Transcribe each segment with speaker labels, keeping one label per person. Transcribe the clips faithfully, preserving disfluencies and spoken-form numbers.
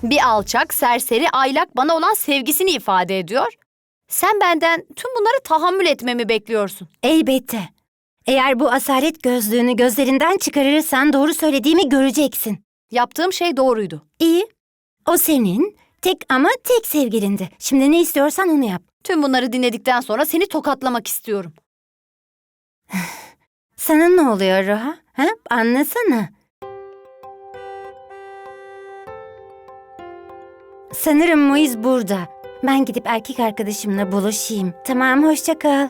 Speaker 1: Bir alçak, serseri, aylak bana olan sevgisini ifade ediyor. Sen benden tüm bunları tahammül etmemi bekliyorsun.
Speaker 2: Elbette. Eğer bu asalet gözlüğünü gözlerinden çıkarırsan doğru söylediğimi göreceksin.
Speaker 1: Yaptığım şey doğruydu.
Speaker 2: İyi. O senin tek ama tek sevgilindi. Şimdi ne istiyorsan onu yap.
Speaker 1: Tüm bunları dinledikten sonra seni tokatlamak istiyorum.
Speaker 2: Sana ne oluyor Roha? Ha? Anlasana. Sanırım Moiz burada. Ben gidip erkek arkadaşımla buluşayım. Tamam, hoşça kal.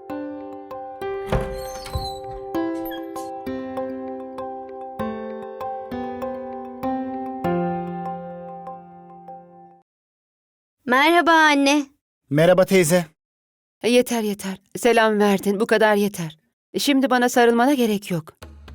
Speaker 1: Merhaba anne.
Speaker 3: Merhaba teyze.
Speaker 4: E, Yeter yeter. Selam verdin. Bu kadar yeter. Şimdi bana sarılmana gerek yok.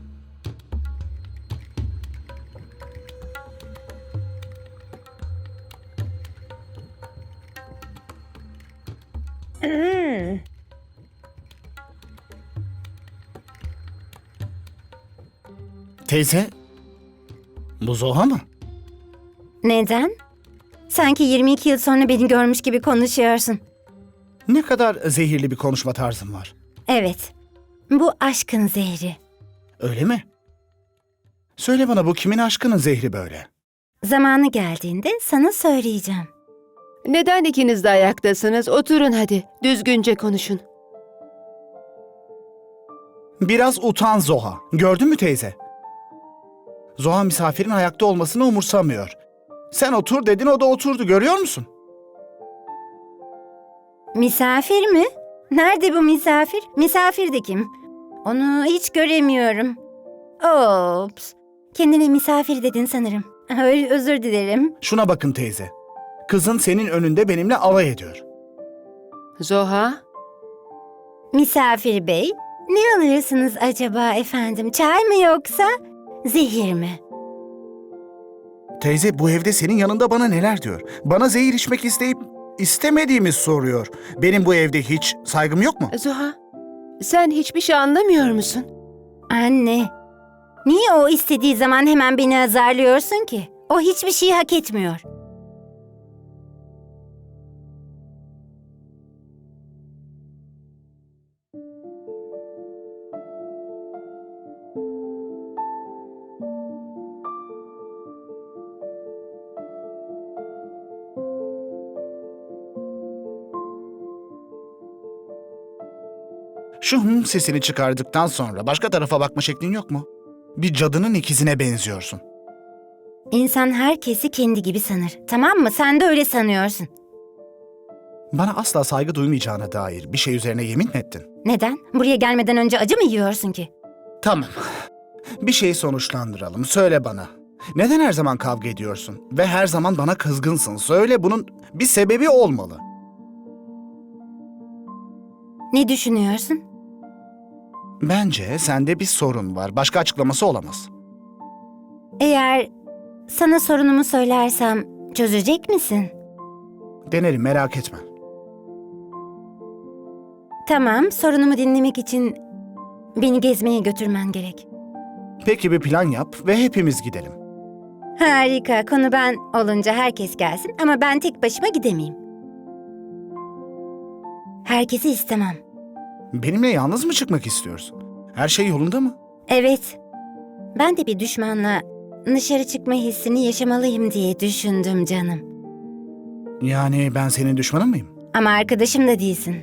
Speaker 3: Teyze, bu Zoha mı?
Speaker 2: Neden? Sanki yirmi iki yıl sonra beni görmüş gibi konuşuyorsun.
Speaker 3: Ne kadar zehirli bir konuşma tarzın var.
Speaker 2: Evet, bu aşkın zehri.
Speaker 3: Öyle mi? Söyle bana, bu kimin aşkının zehri böyle?
Speaker 2: Zamanı geldiğinde sana söyleyeceğim.
Speaker 4: Neden ikiniz de ayaktasınız? Oturun hadi. Düzgünce konuşun.
Speaker 3: Biraz utan Zoha. Gördün mü teyze? Zoha misafirin ayakta olmasını umursamıyor. Sen otur dedin, o da oturdu, görüyor musun?
Speaker 2: Misafir mi? Nerede bu misafir? Misafir de kim? Onu hiç göremiyorum. Ops. Kendine misafir dedin sanırım. Ö- Özür dilerim.
Speaker 3: Şuna bakın teyze. Kızın senin önünde benimle alay ediyor.
Speaker 4: Zoha,
Speaker 2: Misafir bey, ne alırsınız acaba efendim? Çay mı yoksa zehir mi?
Speaker 3: Teyze, bu evde senin yanında bana neler diyor? Bana zehir içmek isteyip istemediğimi soruyor. Benim bu evde hiç saygım yok mu?
Speaker 4: Zoha. Sen hiçbir şey anlamıyor musun?
Speaker 2: Anne, niye o istediği zaman hemen beni azarlıyorsun ki? O hiçbir şey hak etmiyor.
Speaker 3: Şu hım sesini çıkardıktan sonra başka tarafa bakma şeklin yok mu? Bir cadının ikizine benziyorsun.
Speaker 2: İnsan herkesi kendi gibi sanır. Tamam mı? Sen de öyle sanıyorsun.
Speaker 3: Bana asla saygı duymayacağına dair bir şey üzerine yemin mi ettin?
Speaker 2: Neden? Buraya gelmeden önce acı mı yiyorsun ki?
Speaker 3: Tamam. Bir şeyi sonuçlandıralım. Söyle bana. Neden her zaman kavga ediyorsun? Ve her zaman bana kızgınsın. Söyle, bunun bir sebebi olmalı.
Speaker 2: Ne düşünüyorsun?
Speaker 3: Bence sende bir sorun var. Başka açıklaması olamaz.
Speaker 2: Eğer sana sorunumu söylersem çözecek misin?
Speaker 3: Denerim, merak etme.
Speaker 2: Tamam, sorunumu dinlemek için beni gezmeye götürmen gerek.
Speaker 3: Peki, bir plan yap ve hepimiz gidelim.
Speaker 2: Harika, konu ben olunca herkes gelsin ama ben tek başıma gidemeyim. Herkesi istemem.
Speaker 3: Benimle yalnız mı çıkmak istiyorsun? Her şey yolunda mı?
Speaker 2: Evet, ben de bir düşmanla dışarı çıkma hissini yaşamalıyım diye düşündüm canım.
Speaker 3: Yani ben senin düşmanın mıyım?
Speaker 2: Ama arkadaşım da değilsin.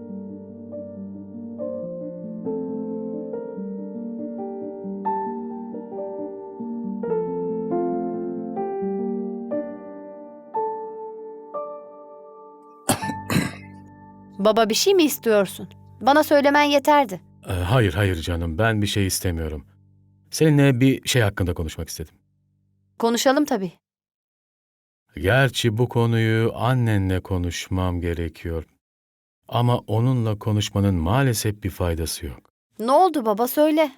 Speaker 1: Baba, bir şey mi istiyorsun? Bana söylemen yeterdi.
Speaker 5: Ee, Hayır, hayır canım. Ben bir şey istemiyorum. Seninle bir şey hakkında konuşmak istedim.
Speaker 1: Konuşalım tabii.
Speaker 5: Gerçi bu konuyu annenle konuşmam gerekiyor. Ama onunla konuşmanın maalesef bir faydası yok.
Speaker 1: Ne oldu baba, söyle.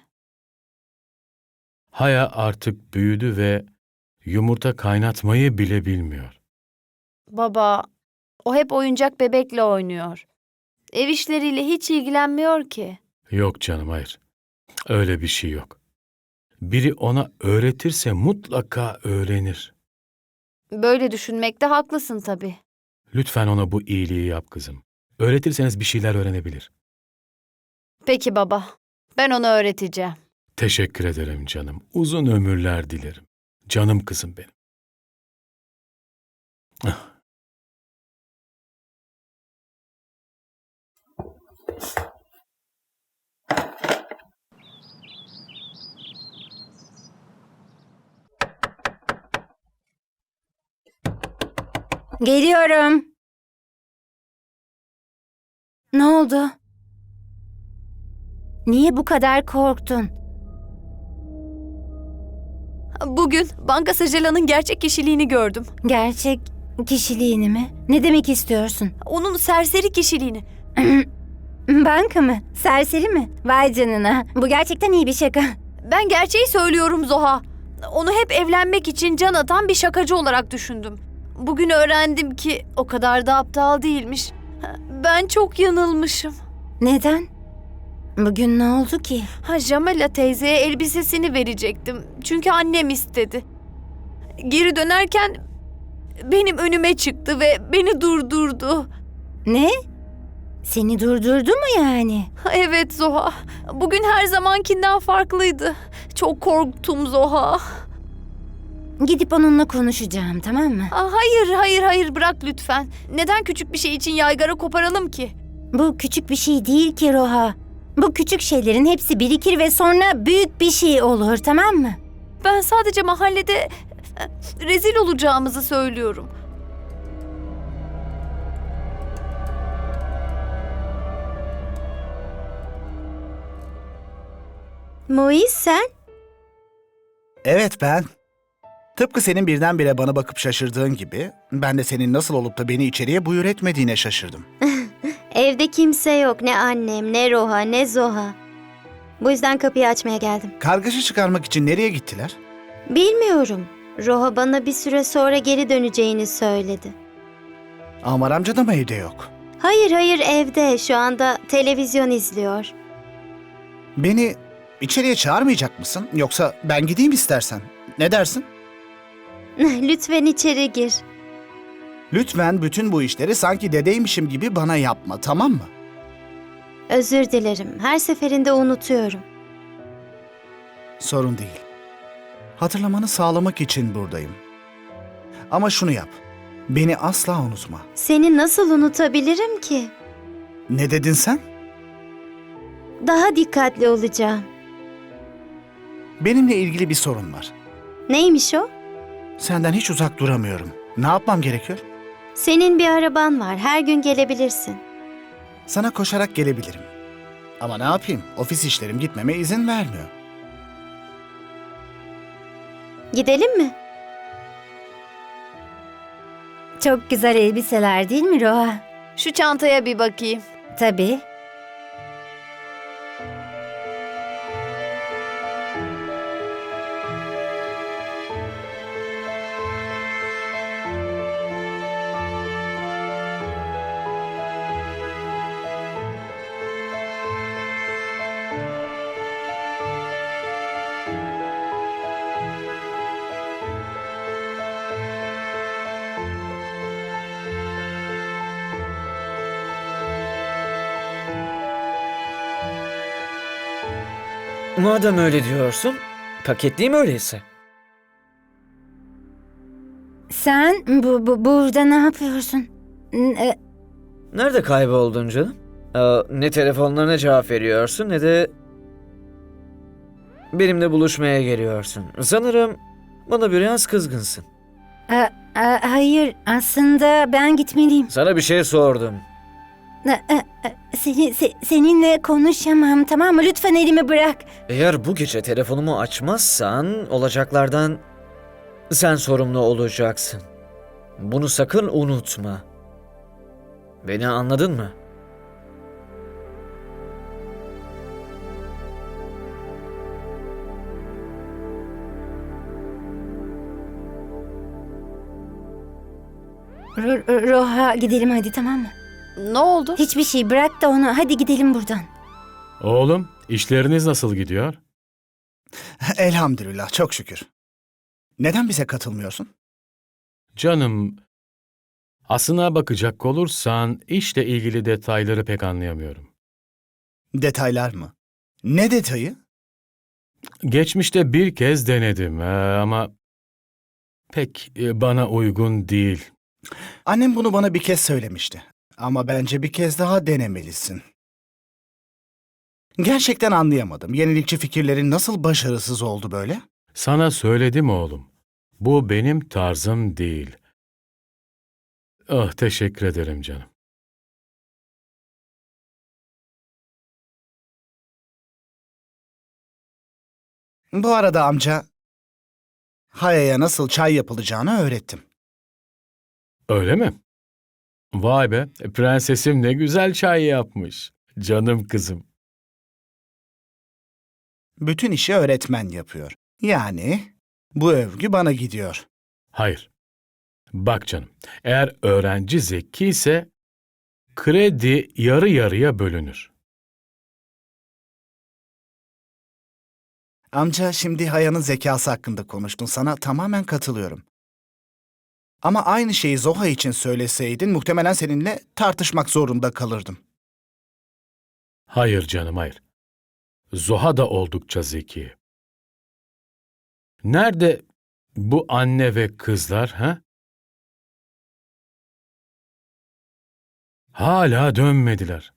Speaker 5: Haya artık büyüdü ve yumurta kaynatmayı bile bilmiyor.
Speaker 1: Baba, o hep oyuncak bebekle oynuyor. Ev işleriyle hiç ilgilenmiyor ki.
Speaker 5: Yok canım, hayır. Öyle bir şey yok. Biri ona öğretirse mutlaka öğrenir.
Speaker 1: Böyle düşünmekte haklısın tabii.
Speaker 5: Lütfen ona bu iyiliği yap kızım. Öğretirseniz bir şeyler öğrenebilir.
Speaker 1: Peki baba, ben ona öğreteceğim.
Speaker 5: Teşekkür ederim canım. Uzun ömürler dilerim. Canım kızım benim. Ah.
Speaker 2: Geliyorum. Ne oldu? Niye bu kadar korktun?
Speaker 1: Bugün Banka Sajala'nın gerçek kişiliğini gördüm.
Speaker 2: Gerçek kişiliğini mi? Ne demek istiyorsun?
Speaker 1: Onun serseri kişiliğini.
Speaker 2: Banka mı? Serseri mi? Vay canına. Bu gerçekten iyi bir şaka.
Speaker 1: Ben gerçeği söylüyorum Zoha. Onu hep evlenmek için can atan bir şakacı olarak düşündüm. Bugün öğrendim ki o kadar da aptal değilmiş. Ben çok yanılmışım.
Speaker 2: Neden? Bugün ne oldu ki?
Speaker 1: Ha, Jamila teyzeye elbisesini verecektim. Çünkü annem istedi. Geri dönerken benim önüme çıktı ve beni durdurdu.
Speaker 2: Ne? Seni durdurdu mu yani?
Speaker 1: Ha, evet Zoha. Bugün her zamankinden farklıydı. Çok korktum Zoha.
Speaker 2: Gidip onunla konuşacağım, tamam mı?
Speaker 1: Aa, hayır, hayır, hayır bırak lütfen. Neden küçük bir şey için yaygara koparalım ki?
Speaker 2: Bu küçük bir şey değil ki Roha. Bu küçük şeylerin hepsi birikir ve sonra büyük bir şey olur, tamam mı?
Speaker 1: Ben sadece mahallede e, rezil olacağımızı söylüyorum.
Speaker 2: Moiz sen?
Speaker 3: Evet ben. Tıpkı senin birdenbire bana bakıp şaşırdığın gibi ben de senin nasıl olup da beni içeriye buyur etmediğine şaşırdım.
Speaker 6: Evde kimse yok. Ne annem, ne Roha, ne Zoha. Bu yüzden kapıyı açmaya geldim.
Speaker 3: Kargaşa çıkarmak için nereye gittiler?
Speaker 6: Bilmiyorum. Roha bana bir süre sonra geri döneceğini söyledi.
Speaker 3: Amar amca da mı evde yok?
Speaker 6: Hayır hayır evde. Şu anda televizyon izliyor.
Speaker 3: Beni içeriye çağırmayacak mısın? Yoksa ben gideyim istersen. Ne dersin?
Speaker 6: Lütfen içeri gir.
Speaker 3: Lütfen bütün bu işleri sanki dedeymişim gibi bana yapma, tamam mı?
Speaker 6: Özür dilerim. Her seferinde unutuyorum.
Speaker 3: Sorun değil. Hatırlamanı sağlamak için buradayım. Ama şunu yap. Beni asla unutma.
Speaker 6: Seni nasıl unutabilirim ki?
Speaker 3: Ne dedin sen?
Speaker 6: Daha dikkatli olacağım.
Speaker 3: Benimle ilgili bir sorun var.
Speaker 6: Neymiş o?
Speaker 3: Senden hiç uzak duramıyorum. Ne yapmam gerekiyor?
Speaker 6: Senin bir araban var. Her gün gelebilirsin.
Speaker 3: Sana koşarak gelebilirim. Ama ne yapayım? Ofis işlerim gitmeme izin vermiyor.
Speaker 6: Gidelim mi?
Speaker 2: Çok güzel elbiseler değil mi Roha?
Speaker 1: Şu çantaya bir bakayım.
Speaker 2: Tabii.
Speaker 7: Madem öyle diyorsun, paketleyeyim öyleyse.
Speaker 2: Sen bu, bu burada ne yapıyorsun? N- e,
Speaker 7: Nerede kayboldun canım? Aa, ne telefonlarına cevap veriyorsun ne de benimle buluşmaya geliyorsun. Sanırım bana biraz kızgınsın.
Speaker 2: a- a- hayır, aslında ben gitmeliyim.
Speaker 7: Sana bir şey sordum.
Speaker 2: E, e, e, Seni, se- seninle konuşamam, tamam mı? Lütfen elimi bırak.
Speaker 7: Eğer bu gece telefonumu açmazsan olacaklardan sen sorumlu olacaksın. Bunu sakın unutma. Beni anladın mı?
Speaker 2: Ro- Ro- Roha gidelim hadi, tamam mı?
Speaker 1: Ne oldu?
Speaker 2: Hiçbir şey, bırak da onu. Hadi gidelim buradan.
Speaker 5: Oğlum, işleriniz nasıl gidiyor?
Speaker 3: Elhamdülillah, çok şükür. Neden bize katılmıyorsun?
Speaker 5: Canım, aslına bakacak olursan işle ilgili detayları pek anlayamıyorum.
Speaker 3: Detaylar mı? Ne detayı?
Speaker 5: Geçmişte bir kez denedim ee, ama pek e, bana uygun değil.
Speaker 3: Annem bunu bana bir kez söylemişti. Ama bence bir kez daha denemelisin. Gerçekten anlayamadım. Yenilikçi fikirlerin nasıl başarısız oldu böyle?
Speaker 5: Sana söyledim oğlum. Bu benim tarzım değil. Ah, teşekkür ederim canım.
Speaker 3: Bu arada amca, Haya'ya nasıl çay yapılacağını öğrettim.
Speaker 5: Öyle mi? Vay be, prensesim ne güzel çay yapmış. Canım kızım.
Speaker 3: Bütün işi öğretmen yapıyor. Yani bu övgü bana gidiyor.
Speaker 5: Hayır. Bak canım, eğer öğrenci zeki ise kredi yarı yarıya bölünür.
Speaker 3: Amca, şimdi Haya'nın zekası hakkında konuştun. Sana tamamen katılıyorum. Ama aynı şeyi Zoha için söyleseydin muhtemelen seninle tartışmak zorunda kalırdım.
Speaker 5: Hayır canım, hayır. Zoha da oldukça zeki. Nerede bu anne ve kızlar, ha? Hala dönmediler.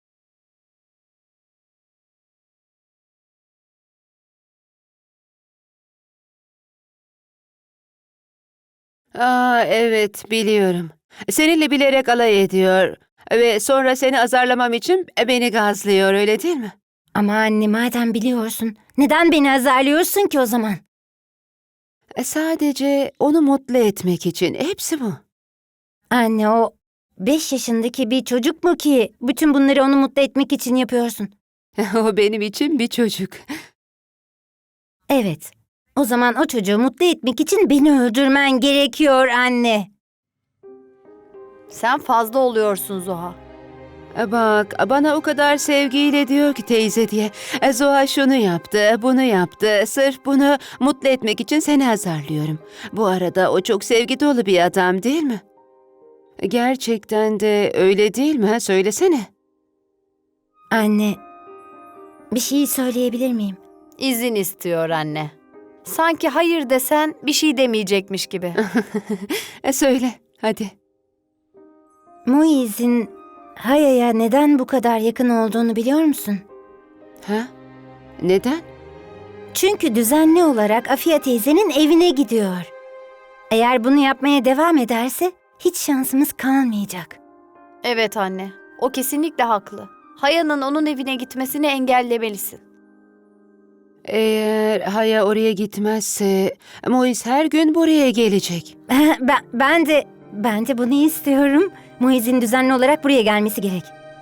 Speaker 4: Aa, evet biliyorum. Seninle bilerek alay ediyor ve sonra seni azarlamam için beni gazlıyor, öyle değil mi?
Speaker 2: Ama anne, madem biliyorsun, neden beni azarlıyorsun ki o zaman?
Speaker 4: E, Sadece onu mutlu etmek için. Hepsi bu.
Speaker 2: Anne, o beş yaşındaki bir çocuk mu ki bütün bunları onu mutlu etmek için yapıyorsun?
Speaker 4: O benim için bir çocuk.
Speaker 2: Evet. O zaman o çocuğu mutlu etmek için beni öldürmen gerekiyor anne.
Speaker 1: Sen fazla oluyorsun Zoha.
Speaker 4: E, Bak, bana o kadar sevgiyle diyor ki teyze diye. E, Zoha şunu yaptı, bunu yaptı. Sırf bunu mutlu etmek için seni azarlıyorum. Bu arada o çok sevgi dolu bir adam, değil mi? Gerçekten de öyle değil mi? ha? Söylesene.
Speaker 2: Anne, bir şey söyleyebilir miyim?
Speaker 1: İzin istiyor anne. Sanki hayır desen bir şey demeyecekmiş gibi.
Speaker 4: E, Söyle, hadi.
Speaker 2: Muiz'in Haya'ya neden bu kadar yakın olduğunu biliyor musun?
Speaker 4: Ha? Neden?
Speaker 2: Çünkü düzenli olarak Afiye teyzenin evine gidiyor. Eğer bunu yapmaya devam ederse hiç şansımız kalmayacak.
Speaker 1: Evet anne, o kesinlikle haklı. Haya'nın onun evine gitmesini engellemelisin.
Speaker 4: Eğer Haya oraya gitmezse Mois her gün buraya gelecek.
Speaker 2: Ben, ben de ben de bunu istiyorum. Muiz'in düzenli olarak buraya gelmesi gerek.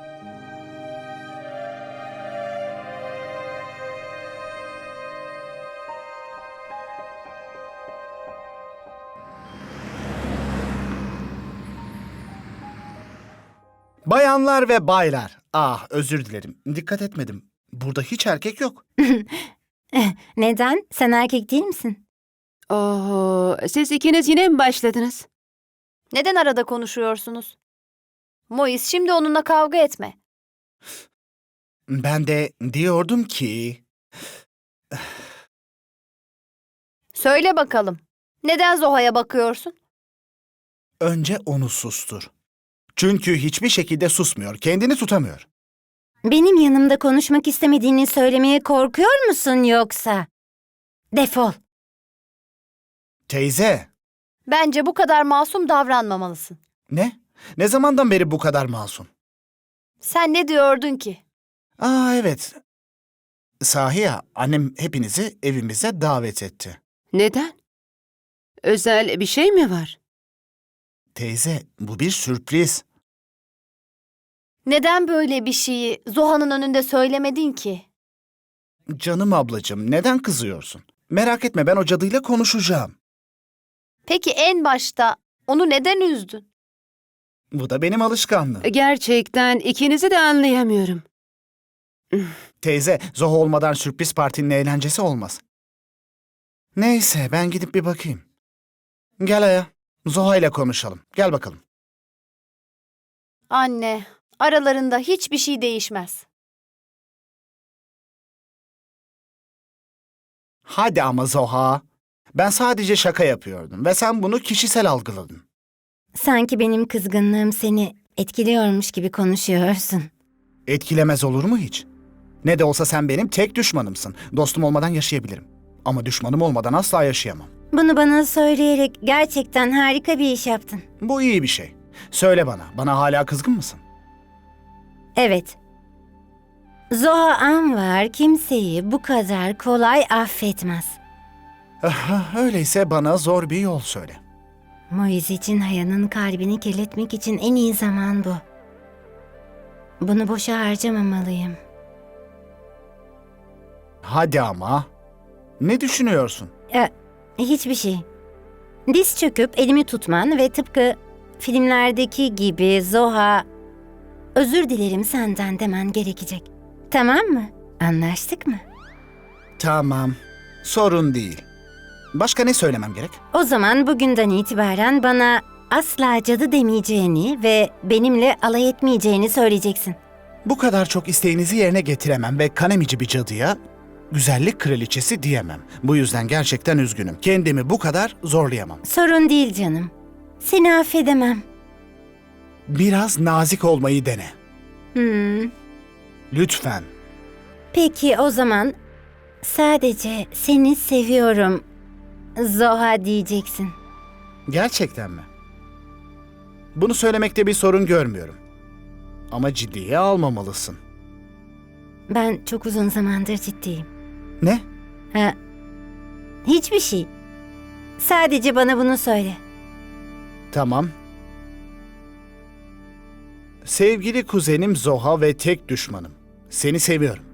Speaker 3: Bayanlar ve baylar. Ah, özür dilerim. Dikkat etmedim. Burada hiç erkek yok.
Speaker 2: Neden? Sen erkek değil misin?
Speaker 4: Oho, siz ikiniz yine mi başladınız?
Speaker 1: Neden arada konuşuyorsunuz? Mois, şimdi onunla kavga etme.
Speaker 3: Ben de diyordum ki...
Speaker 1: Söyle bakalım. Neden Zoha'ya bakıyorsun?
Speaker 3: Önce onu sustur. Çünkü hiçbir şekilde susmuyor. Kendini tutamıyor.
Speaker 2: Benim yanımda konuşmak istemediğini söylemeye korkuyor musun yoksa? Defol.
Speaker 3: Teyze.
Speaker 1: Bence bu kadar masum davranmamalısın.
Speaker 3: Ne? Ne zamandan beri bu kadar masum?
Speaker 1: Sen ne diyordun ki?
Speaker 3: Aa, evet. Sahi ya, annem hepinizi evimize davet etti.
Speaker 4: Neden? Özel bir şey mi var?
Speaker 3: Teyze, bu bir sürpriz.
Speaker 1: Neden böyle bir şeyi Zoha'nın önünde söylemedin ki?
Speaker 3: Canım ablacığım, neden kızıyorsun? Merak etme, ben o cadıyla konuşacağım.
Speaker 1: Peki en başta onu neden üzdün?
Speaker 3: Bu da benim alışkanlığım.
Speaker 4: Gerçekten ikinizi de anlayamıyorum.
Speaker 3: Teyze, Zoha olmadan sürpriz partinin eğlencesi olmaz. Neyse, ben gidip bir bakayım. Gel Aya. Zoha ile konuşalım. Gel bakalım.
Speaker 1: Anne, aralarında hiçbir şey değişmez.
Speaker 3: Hadi ama Zoha. Ben sadece şaka yapıyordum ve sen bunu kişisel algıladın.
Speaker 2: Sanki benim kızgınlığım seni etkiliyormuş gibi konuşuyorsun.
Speaker 3: Etkilemez olur mu hiç? Ne de olsa sen benim tek düşmanımsın. Dostum olmadan yaşayabilirim. Ama düşmanım olmadan asla yaşayamam.
Speaker 2: Bunu bana söyleyerek gerçekten harika bir iş yaptın.
Speaker 3: Bu iyi bir şey. Söyle bana, bana hala kızgın mısın?
Speaker 2: Evet. Zoha Anvar kimseyi bu kadar kolay affetmez.
Speaker 3: Ah, öyleyse bana zor bir yol söyle.
Speaker 2: Moiz için Haya'nın kalbini kirletmek için en iyi zaman bu. Bunu boşa harcamamalıyım.
Speaker 3: Hadi ama. Ne düşünüyorsun?
Speaker 2: E, hiçbir şey. Diz çöküp elimi tutman ve tıpkı filmlerdeki gibi Zoha, özür dilerim senden demen gerekecek. Tamam mı? Anlaştık mı?
Speaker 3: Tamam. Sorun değil. Başka ne söylemem gerek?
Speaker 2: O zaman bugünden itibaren bana asla cadı demeyeceğini ve benimle alay etmeyeceğini söyleyeceksin.
Speaker 3: Bu kadar çok isteğinizi yerine getiremem ve kanemici bir cadıya güzellik kraliçesi diyemem. Bu yüzden gerçekten üzgünüm. Kendimi bu kadar zorlayamam.
Speaker 2: Sorun değil canım. Seni affedemem.
Speaker 3: Biraz nazik olmayı dene.
Speaker 2: Hmm.
Speaker 3: Lütfen.
Speaker 2: Peki o zaman sadece seni seviyorum Zoha diyeceksin.
Speaker 3: Gerçekten mi? Bunu söylemekte bir sorun görmüyorum. Ama ciddiye almamalısın.
Speaker 2: Ben çok uzun zamandır ciddiyim.
Speaker 3: Ne?
Speaker 2: Ha, hiçbir şey. Sadece bana bunu söyle.
Speaker 3: Tamam. Sevgili kuzenim Zoha ve tek düşmanım. Seni seviyorum.